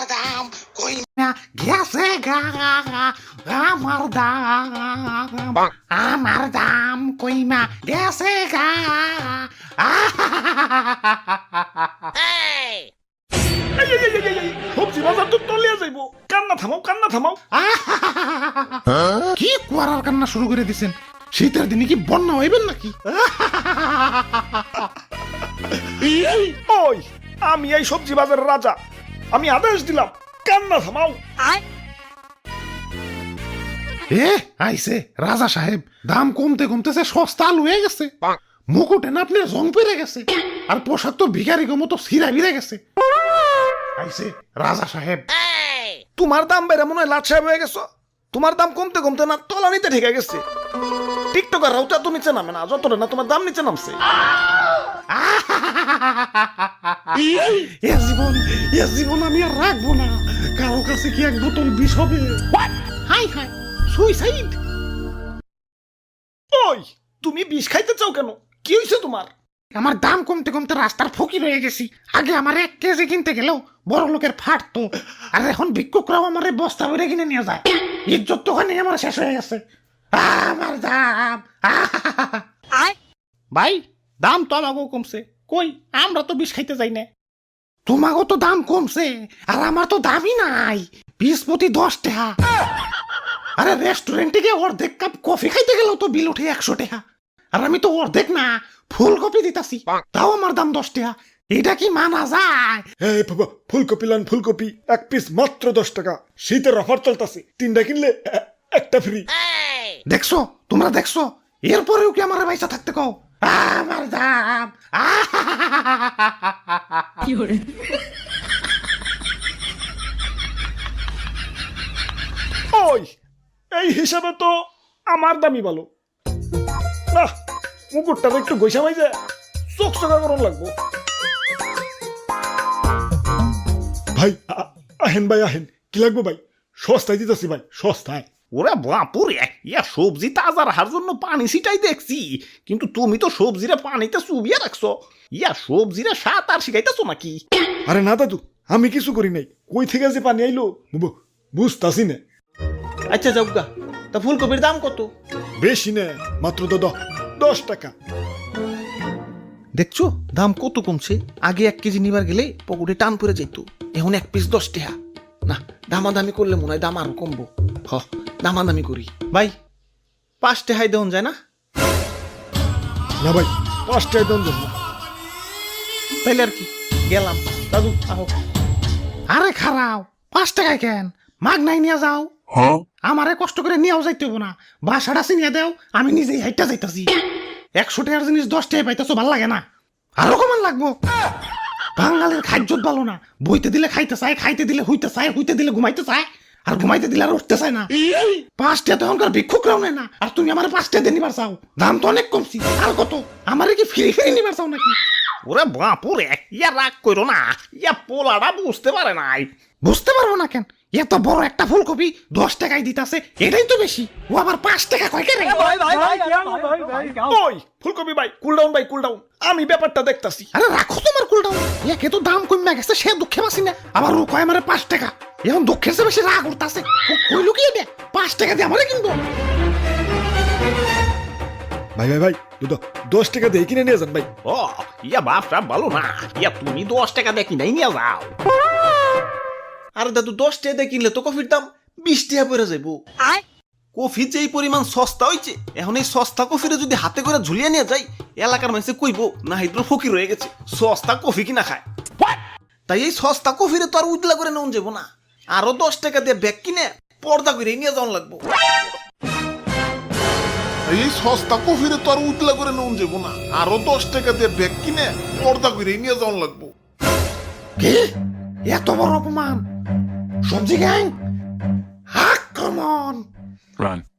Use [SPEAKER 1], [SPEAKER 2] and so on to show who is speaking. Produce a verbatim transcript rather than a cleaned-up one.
[SPEAKER 1] দাম কই না গেছে গা আমার দাম আমার দাম কই না গেছে গা
[SPEAKER 2] সবজি বাজার তো তলিয়া যাইব, কান্না থামাও কান্না থামাও।
[SPEAKER 1] কি কুয়ারার কান্না শুরু করে দিছেন? শীতের দিনে কি বন্যা হইবেন নাকি?
[SPEAKER 2] ওই আমি এই সবজি বাজারের রাজা, আমি আদেশ দিলাম কান্না থামাও।
[SPEAKER 1] এ আইছে রাজা সাহেব, দাম কমতে কমতেছে সস্তা আলু হয়ে গেছে, মুকুটে না আপনার জং পেরে গেছে, আর পোশাক তো ভিখারি মতো ছিঁড়া ভিড়ে গেছে। আইছে রাজা সাহেব।
[SPEAKER 2] তোমার দাম বেড়ে মনে হয় লাট সাহেব হয়ে গেছো। তোমার দাম কমতে কমতে না তলানিতে ঠেকে গেছে। টিকটকার রাউটা তো নিচে নামে না, যতটা না তোমার দাম নিচে নামছে।
[SPEAKER 1] এ জীবন এ জীবন আমি আর রাখবো না। কারো কাছে কি এক বোতল বিষ হবে? হাই হাই সুইসাইড।
[SPEAKER 2] ওই তুমি বিষ খাইতে চাও কেন? কি হয়েছে তোমার?
[SPEAKER 1] আমার দাম কমতে কমতে রাস্তার ফকির হয়ে গেছি। আগে আমার এক কেজি কিনতে গেলেও বড় লোকের ফাটতো, আর এখন ভিক্ষুকরাও আমার বস্তা ভরে কিনে নিয়ে যায়। ইজ্জত তো ওখানে আমার শেষ হয়ে গেছে। আমার দাম ভাই, দাম তো আমাকেও কমছে, কই আমরা তো বিষ খাইতে যাই না। তোমাকেও তো দাম কমছে, আর আমার তো দামই নাই। বিশ প্রতি দশ টাকা। আরে রেস্টুরেন্টে গিয়ে অর্ধেক কাপ কফি খাইতে গেলেও তো বিল উঠে একশো টাকা, আর আমি তো অর্ধেক না ফুলকপি দিতাছি, তাও আমার দাম দশ টাকা। এটা কি মানা যায়?
[SPEAKER 2] এই বাবা, ফুলকপি লান ফুলকপি এক পিস মাত্র দশ টাকা। শীতের অফার চলতেছে, তিনটা কিনলে এ- একটা ফ্রি।
[SPEAKER 1] দেখছো তোমরা দেখছো, এরপরেও কি আমার পয়সা থাকতে কও? আমার দাম
[SPEAKER 2] ওই এই হিসাবে তো আমার দামই ভালো না। মুকুটটা তো একটু গৈসা মাই যায়, চোখ চোখা করুন লাগবো। ভাই আ- আহেন ভাই আহেন, কি লাগবো ভাই? সস্তায় দিতেছি ভাই, সস্তায়।
[SPEAKER 3] ওরে বাপুরে, ইয়া সবজি তাজা রাখার জন্য পানি ছিটাই দেখছি, কিন্তু তুমি তো সবজিরে পানিতে চুবিয়ে রাখছো। ইয়া সবজিরে সাত আর শিখাইতেছো নাকি?
[SPEAKER 2] আরে না দাদু, আমি কিছু করি নাই। কই থেকে যে পানি আইলো বু- বুঝতাছি না।
[SPEAKER 3] আচ্ছা যাওগা, তা ফুলকপির দাম কত?
[SPEAKER 2] বেশি না, মাত্র তো দ- দশ টাকা।
[SPEAKER 3] দেখছো দাম কত কমছে। আগে এক কেজি নিবার গেলে পকেটে টান পড়ে যেত, এখন এক পিস দশ টাকা। না, দামাদামি করলে মনে হয় দাম আরো কমবো। হ, দামাদামি করি। ভাই পাঁচ টাকায় দেওয়া যায় না?
[SPEAKER 2] না ভাই, পাঁচ টাকা দাম দেব না।
[SPEAKER 3] তাইলে আর কি, গেলাম। দাদু আহো।
[SPEAKER 1] আরে খারাও, পাঁচ টাকায় কেন? মাগ নাই নিয়ে যাও। আমারে কষ্ট করে নিয়েও যাইতে হবো না, বাসাটা চিনিয়ে দেও, আমি নিজেই হাইটা যাইতাছি। একশো টাকার জিনিস দশ টাকায় পাইতেছো, ভাল লাগে না? আরো কমান লাগবো। বাঙালির খাদ্যত ভালো না, বইতে দিলে খাইতে চায়, খাইতে দিলে হইতে চায়, হইতে দিলে ঘুমাইতে চায়, আর ঘুমাইতে দিলে আর উঠতে চায় না। পাঁচ টাকা তো এখনকার ভিক্ষুকরাও নেয় না, আর তুমি আমার পাঁচ টাকা দিয়ে নিবার চাও? দাম তো অনেক কমছি। আর কত? আমারে কি ফিরে ফিরে নিবার চাও নাকি?
[SPEAKER 3] ওরে বাপুরে, ইয়া রাগ করো না, ইয়া পোলাটা বুঝতে পারে নাই।
[SPEAKER 1] বুঝতে পারবো না কেন? এত বড় একটা ফুলকপি দশ টাকায় দিতাছে, এটাই তো বেশি। ও আবার পাঁচ টাকা কয় কেন?
[SPEAKER 2] ওই ফুলকপি ভাই, কুল ডাউন ভাই, কুল ডাউন। আমি ব্যাপারটা দেখতাছি।
[SPEAKER 1] আরে রাখো তোমার কুলটাও। একে তো দাম কমে গেছে, সে দুঃখে বাসি না, আবার ও কয় আমারে পাঁচ টাকা। এখন দুঃখের চেয়ে বেশি রাগ উঠতাছে। ও কইলো কি এটা? পাঁচ টাকা দিয়ে আমারে কিনবো?
[SPEAKER 2] ভাই ভাই ভাই, দুটো দশ টাকা দিয়ে কিনে নিয়ে যান ভাই।
[SPEAKER 3] ও ইয়া বাপটা ভালো না, ইয়া তুমি দশ টাকা দিয়ে কিনাই নিয়ে যাও। আরে দাদু, দশ টাকা দিয়ে কিনলে তো কফির দাম বিশ টাকা পড়ে যাইব। কফি যে এই পরিমাণ সস্তা হয়েছে, এখন এই সস্তা কফিরে যদি হাতে করে ঝুলিয়ে নিয়ে যাই, এলাকার মানুষে কইব না হিদ্র ফকির হয়ে গেছে, সস্তা কফি কিনা খায়। তাই এই সস্তা কফিরে তো আর উজলা করে নেওয়া যাবো না, আরো দশ টাকা দিয়ে ব্যাগ কিনে পর্দা করে নিয়ে যাওয়া লাগবো।
[SPEAKER 4] এই সস্তা কফিরে তো আর উতলা করে নেওয়া যাবো না, আরো দশ টাকা দিয়ে ব্যাগ কিনে পর্দা করে নিয়ে যাওয়া লাগবো।
[SPEAKER 1] কি? এত বড় অপমান? সবজি গ্যাং, আক্রমণ!
[SPEAKER 5] Run.